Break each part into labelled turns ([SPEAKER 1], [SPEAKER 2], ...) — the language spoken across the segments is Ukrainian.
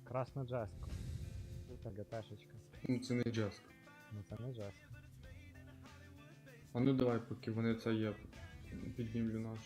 [SPEAKER 1] Красна джеска. Це ГТшечка.
[SPEAKER 2] Ну це не джеск.
[SPEAKER 1] Ну це не джеска.
[SPEAKER 2] А ну давай, поки вони це є, піднімлю наш.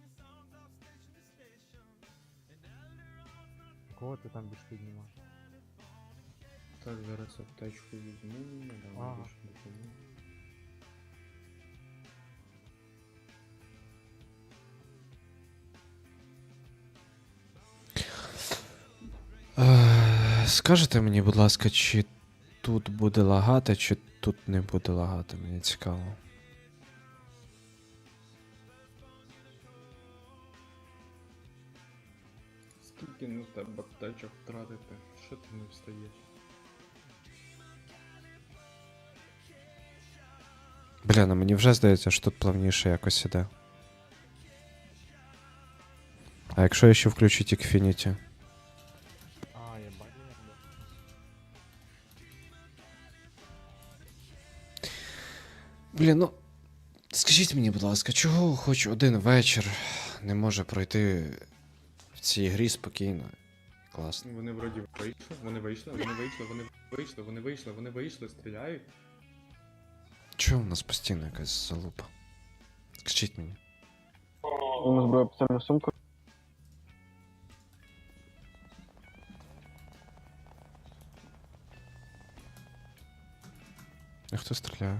[SPEAKER 1] Кого ти там більш піднімав?
[SPEAKER 2] Так, зараз аптечку візьму,
[SPEAKER 1] Ага.
[SPEAKER 2] давай більше допомогу.
[SPEAKER 3] Скажете мені, будь ласка, чи тут буде лагати, чи тут не буде лагати, мені цікаво.
[SPEAKER 2] Скільки на тебе аптечок втратити? Що ти не встаєш?
[SPEAKER 3] Бля, ну мені вже здається, що тут плавніше якось іде. А якщо я ще включу Тікфініті?
[SPEAKER 1] А, єбать, єбать.
[SPEAKER 3] Блін, ну. Скажіть мені, будь ласка, чого хоч один вечір не може пройти в цій грі спокійно? Класно.
[SPEAKER 2] Вони вроді вийшли, стріляють.
[SPEAKER 3] Чого в нас постійно якась залупа? Скажіть мені.
[SPEAKER 4] У нас зброя спеціальну сумку.
[SPEAKER 3] А хто стріляє?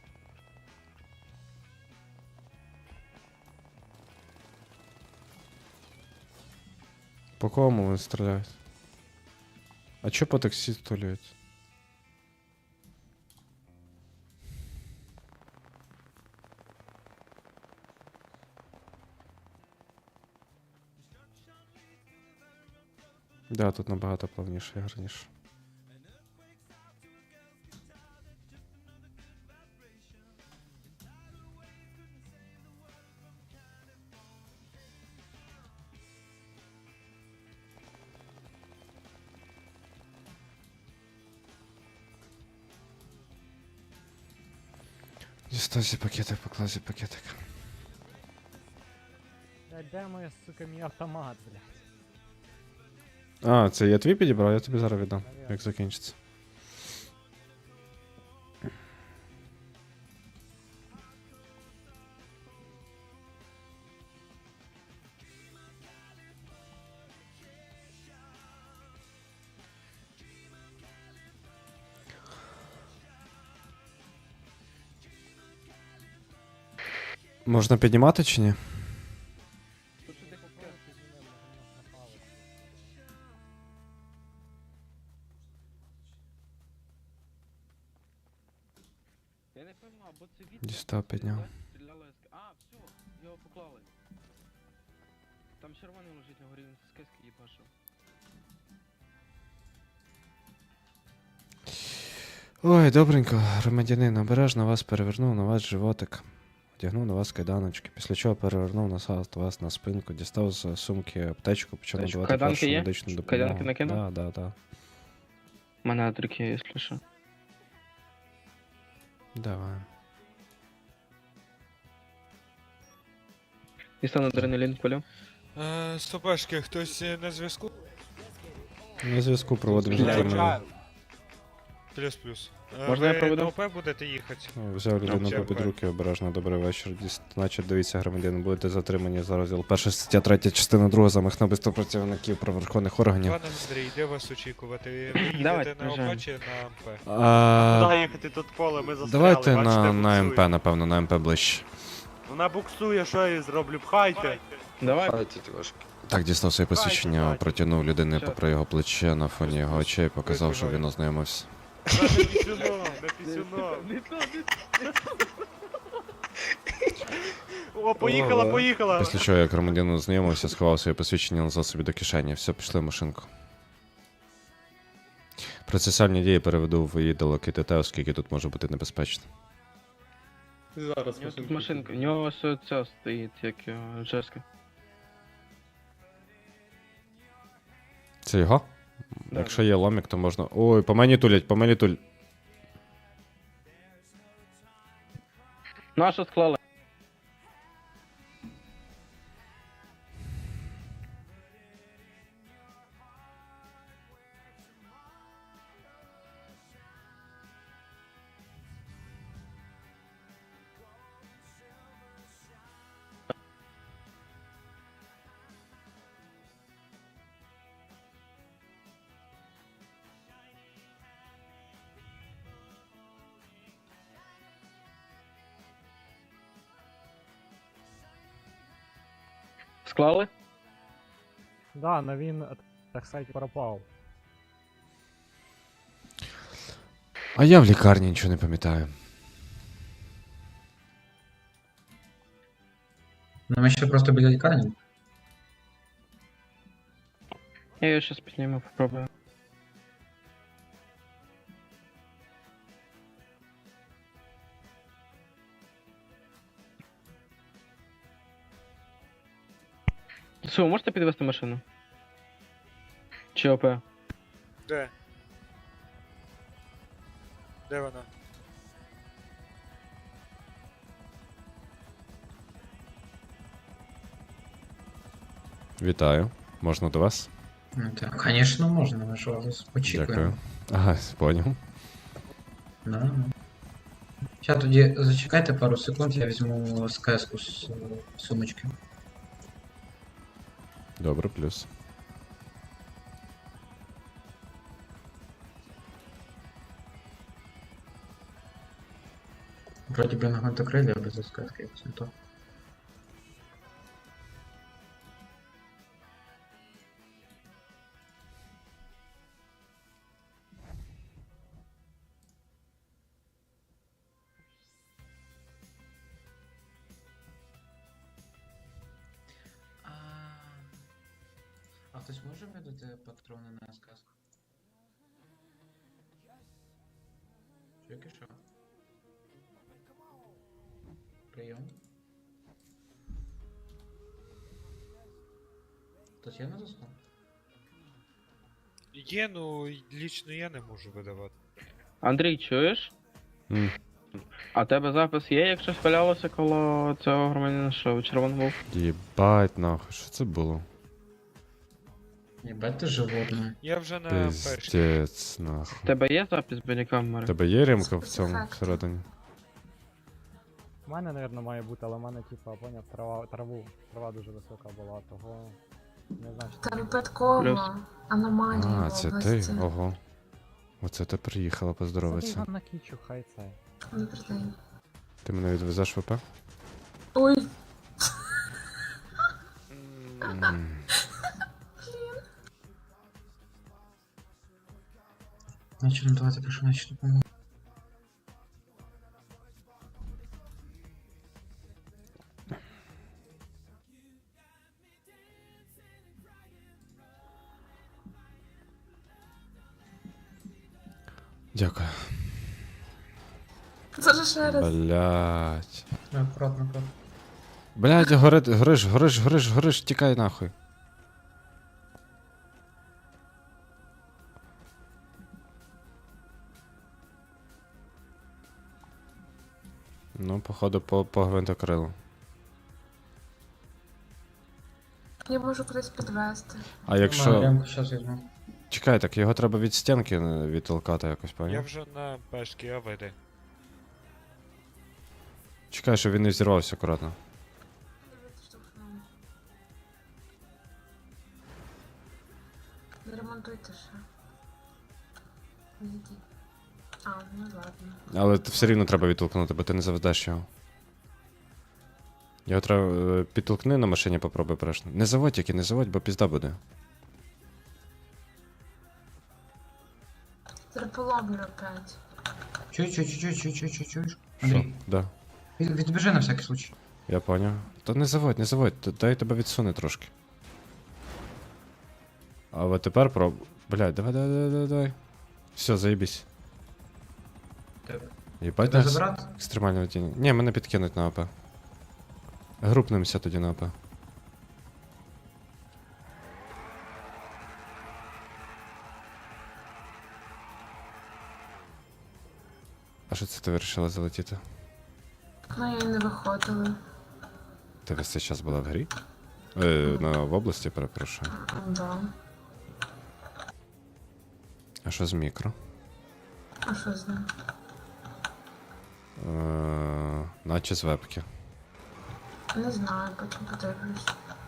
[SPEAKER 3] По кому вони стріляють? А чо по таксі стріляють? Да, тут набагато плавніше і гарніше. Дістав пакетик, поклав пакетик.
[SPEAKER 1] Блядь, де моя, сука, мій автомат, блядь?
[SPEAKER 3] А, це я твій підібрав, я тобі зараз віддам,
[SPEAKER 1] Наверно.
[SPEAKER 3] як закінчиться. Можна піднімати чи ні?
[SPEAKER 5] Я не пойму, або це від...
[SPEAKER 3] Дістав, підняв.
[SPEAKER 5] Стріляла СК. А, все, його поклали. Там червоний лежить на горі, він з СК їбашив.
[SPEAKER 3] Ой, добренько, громадянин, обережно вас перевернув на вас животик. Одягнув на вас кайданочки, після чого перевернув вас на спинку, дістав з сумки аптечку, почав
[SPEAKER 5] Та що,
[SPEAKER 3] надавати
[SPEAKER 5] кайданки
[SPEAKER 3] першу
[SPEAKER 5] є?
[SPEAKER 3] медичну допомогу.
[SPEAKER 5] Кайданки накинув?
[SPEAKER 3] Да.
[SPEAKER 5] У мене атрики є, якщо що.
[SPEAKER 3] Давай.
[SPEAKER 5] Дістану адреналін полю.
[SPEAKER 6] Стопешки, хтось на зв'язку?
[SPEAKER 3] На зв'язку проводимо
[SPEAKER 5] Стріляю.
[SPEAKER 3] затримання.
[SPEAKER 6] Плюс-плюс.
[SPEAKER 5] Можна я
[SPEAKER 6] Ви
[SPEAKER 5] проведу?
[SPEAKER 6] на ОП будете їхати?
[SPEAKER 3] Взяв людину
[SPEAKER 6] Взяв,
[SPEAKER 3] під
[SPEAKER 6] так.
[SPEAKER 3] руки, обережно, добрий вечір. Значить, дивіться, громадянин, будете затримані за розділ 1 стаття 3, частина 2, замах на вбивство працівників правоохоронних органів.
[SPEAKER 6] Пане Андрій, де вас очікувати? Ви
[SPEAKER 5] Давайте,
[SPEAKER 6] їдете на ОП
[SPEAKER 5] приїжджаємо.
[SPEAKER 6] чи на МП?
[SPEAKER 7] Куди їхати тут поле, ми застряли,
[SPEAKER 3] Давайте
[SPEAKER 7] бачите,
[SPEAKER 3] на МП,
[SPEAKER 7] буксує.
[SPEAKER 3] напевно, на МП ближче.
[SPEAKER 7] Вона буксує, що я їй зроблю, пхайте.
[SPEAKER 5] Давай.
[SPEAKER 3] Так, дістав своє посвідчення,
[SPEAKER 7] Давайте.
[SPEAKER 3] протягнув людини
[SPEAKER 5] Все.
[SPEAKER 3] попри його плече на фоні його очей, показав, що він ознайомився.
[SPEAKER 7] На пісюно, на пісюно. О, поїхала.
[SPEAKER 3] Після чого, як громадянин ознайомився, сховав своє посвідчення назад собі до кишені. Все, пішли в машинку. Процесуальні дії переведу в відділок ІТТ, оскільки тут може бути небезпечно.
[SPEAKER 2] Зараз
[SPEAKER 5] У нього тут машинка, у нього ось ця стоїть, як його, Джеска.
[SPEAKER 3] Це його?
[SPEAKER 5] Да.
[SPEAKER 3] Якщо є ломік, то можна. Ой, по мені тулять, по мені тулять.
[SPEAKER 5] Ну а що склали? Склали?
[SPEAKER 1] Да, но він, так сказати, пропав.
[SPEAKER 3] А я в лікарні нічого не пам'ятаю.
[SPEAKER 8] Ну, ми ще просто біля лікарні.
[SPEAKER 5] Я ее сейчас подниму, попробую. Що, ви можете підвести машину? Чи ОП?
[SPEAKER 6] Де? Де вона?
[SPEAKER 3] Вітаю. Можна до вас?
[SPEAKER 8] Ну, так, звісно, можна, ми ж вас очікуємо.
[SPEAKER 3] Дякую. Ага, поняв.
[SPEAKER 8] Да. Зараз тоді зачекайте пару секунд, я візьму СКС-ку з сумочки.
[SPEAKER 3] Добре, плюс.
[SPEAKER 8] Вроді би на гвинтокрилі, а без СКС-ки, якось не то. А хтось може видати патрони на СКС-ку? Чуєте що? Прийом. Хтось є на зв'язку?
[SPEAKER 6] Є, ну лічно я не можу видавати.
[SPEAKER 5] Андрій, чуєш?
[SPEAKER 3] М.
[SPEAKER 5] А в тебе запис є, якщо валялося коло цього громадянина, що червоний був?
[SPEAKER 3] Єбать нахуй, що це було?
[SPEAKER 8] Єбать ти животне.
[SPEAKER 6] Я вже на першій.
[SPEAKER 3] Пиздец, нахуй.
[SPEAKER 5] В тебе є запис біля камери?
[SPEAKER 3] У тебе є ремка в цьому всередині?
[SPEAKER 1] У мене, напевно, має бути, але в мене, типа, поняв, трава дуже висока була, того не знаю, що
[SPEAKER 9] Та
[SPEAKER 1] це.
[SPEAKER 9] випадково аномалії
[SPEAKER 3] А,
[SPEAKER 9] в
[SPEAKER 3] це ти?
[SPEAKER 9] області.
[SPEAKER 3] Ого. Оце ти приїхала
[SPEAKER 1] Забий
[SPEAKER 3] поздоровитися.
[SPEAKER 1] його на кічу, хай це.
[SPEAKER 9] Добрий день.
[SPEAKER 3] Ти мене відвезеш в ВП?
[SPEAKER 9] Ой,
[SPEAKER 3] М.
[SPEAKER 8] Значить, ну давайте прошу начать допомогу.
[SPEAKER 3] Дякую.
[SPEAKER 9] це ж ще раз.
[SPEAKER 3] Блять.
[SPEAKER 8] Аккуратно, аккуратно.
[SPEAKER 3] Блять, гориш, тікай нахуй. Ну, походу, по гвинтокрилу.
[SPEAKER 9] Я можу кудись підвести.
[SPEAKER 3] А якщо.
[SPEAKER 8] Ремку зараз візьму.
[SPEAKER 3] Чекай, так його треба від стінки відтолкати якось,
[SPEAKER 6] Я
[SPEAKER 3] поняв?
[SPEAKER 6] вже на пешки, а веди.
[SPEAKER 3] Чекай, щоб він не взірвався акуратно.
[SPEAKER 9] Не ремонтуйте ще. Відійдіть. А, ну ладно.
[SPEAKER 3] Але все рівно треба відтолкнути, бо ти не заведеш його. Його треба підтолкни на машині, попробуй перешно. Не заводь тільки, не заводь, бо пізда буде.
[SPEAKER 9] Переполомлю опять.
[SPEAKER 8] Чуєш?
[SPEAKER 3] Що?
[SPEAKER 8] Андрій,
[SPEAKER 3] Да.
[SPEAKER 8] відбіжи на всякий случай.
[SPEAKER 3] Я поняв. Та не заводь, дай тебе відсуне трошки. А от тепер Блядь, давай. Все, заєбісь.
[SPEAKER 8] Тебе.
[SPEAKER 3] Єбать
[SPEAKER 8] Тебе
[SPEAKER 3] нас
[SPEAKER 8] забрати?
[SPEAKER 3] екстремальне водіння. Ні, мене підкинуть на АП. Групнемося тоді на АП. А що це ти вирішила залетіти?
[SPEAKER 9] Ну, я й не виходила.
[SPEAKER 3] Ти весь цей час була в грі? В області, перепрошую.
[SPEAKER 9] Да.
[SPEAKER 3] А що з мікро?
[SPEAKER 9] А що з ним?
[SPEAKER 3] Наче з вебки.
[SPEAKER 9] Не знаю, потім подивлюсь.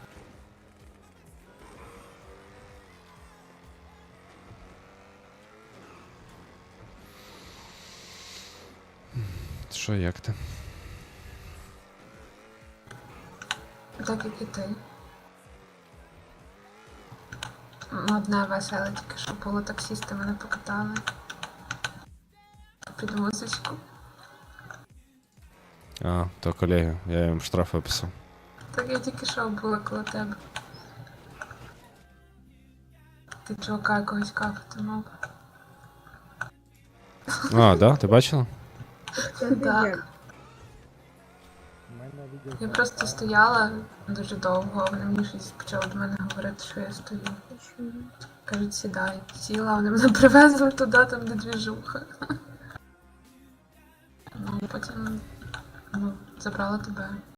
[SPEAKER 3] Що, як ти?
[SPEAKER 9] Так як і ти. Ну, одне веселе тільки, що було таксісти мене покатали. Під музичку.
[SPEAKER 3] А, то колеги, я їм штраф виписав.
[SPEAKER 9] Так я тільки що була коло тебе. Ти чувака якогось кафати мав.
[SPEAKER 3] А, да? Ти бачила?
[SPEAKER 9] Так.
[SPEAKER 1] У мене відео.
[SPEAKER 9] Я просто стояла дуже довго, вони мені щось почали до мене говорити, що я стою. Кажуть, сідай. Сіла, вони мене привезли туди, там де двіжуха. Ну, потім забрала тебе.